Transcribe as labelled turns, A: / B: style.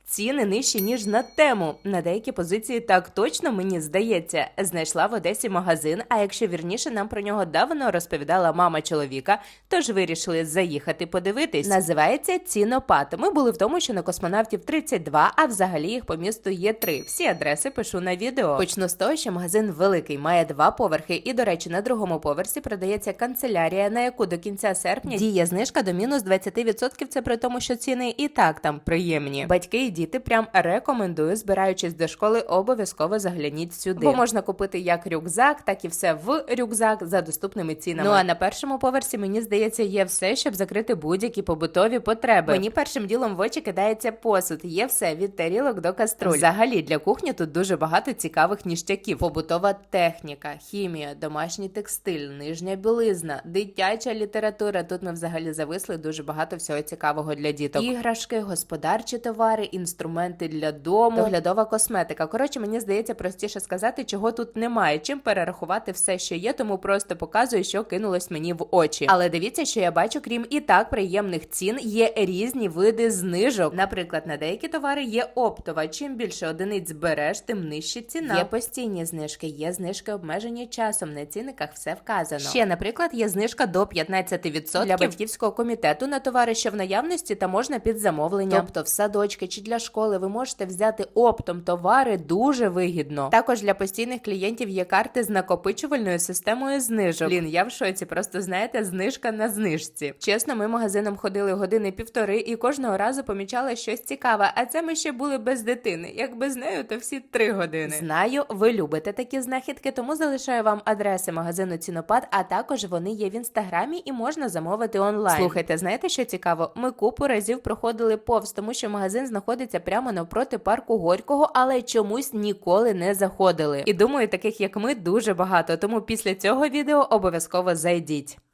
A: ціни нижчі, ніж на Тему. На деякі позиції так точно, мені здається. Знайшла в Одесі магазин, а якщо вірніше, нам про нього давно розповідала мама чоловіка, тож вирішили заїхати подивитись. Називається Цінопад. Ми були в тому, що на Космонавтів 32, а взагалі їх по місту є 3. Всі адреси пишу на відео. Почну з того, що магазин великий, має 2 поверхи і, до речі, на другому поверсі продається канцелярія, на яку до кінця серпня діє знижка до мінус 20%, це при тому, що ціни і так там приємні. Батьки і діти прям рекомендую, збираючись до школи, обов'язково загляніть сюди. Бо можна купити як рюкзак, так і все в рюкзак за доступними цінами. Ну а на першому поверсі, мені здається, є все, щоб закрити будь-які побутові потреби. Мені першим ділом в очі кидається посуд. Є все від тарілок до каструль. Взагалі, для кухні тут дуже багато цікавих ніштяків. Побутова техніка, хімія, домашній текстиль, нижня білизна, дитяча література. Тут ми взагалі зависли, дуже багато всього цікавого для діток. Іграшки, господарчі товари, інструменти для дому, доглядова косметика. Коротше, мені здається, простіше сказати, чого тут немає, чим перерахувати все, що є, тому просто показую, що кинулось мені в очі. Але дивіться, що я бачу, крім і так приємних цін, є різні види знижок. Наприклад, на деякі товари є оптова. Чим більше одиниць береш, тим нижча ціна. Є постійні знижки, є знижки обмежені часом, на цінниках все вказано. Ще, наприклад, є знижка до 15% для батьківського комітету на товари, що в наявності та можна під замовлення. Тобто в садочки чи для школи ви можете взяти оптом товари дуже вигідно. Також для постійних клієнтів є карти з накопичувальною системою знижок. Блін, я в шоці, просто знаєте, знижка на знижці. Чесно, ми магазином ходили години півтори і кожного разу помічали щось цікаве, а це ми ще були без дитини. Якби з нею, то всі 3 години. Знаю, ви любите такі знахідки, тому залишаю вам адреси магазину Цінопад, а також вони є в інстаграмі і можна замовити онлайн. Слухайте, знаєте, що цікаво? Ми купу разів проходили повз, тому що магазин знаходиться прямо навпроти парку Горького, але чомусь ніколи не заходили. І думаю, таких як ми дуже багато, тому після цього відео обов'язково зайдіть.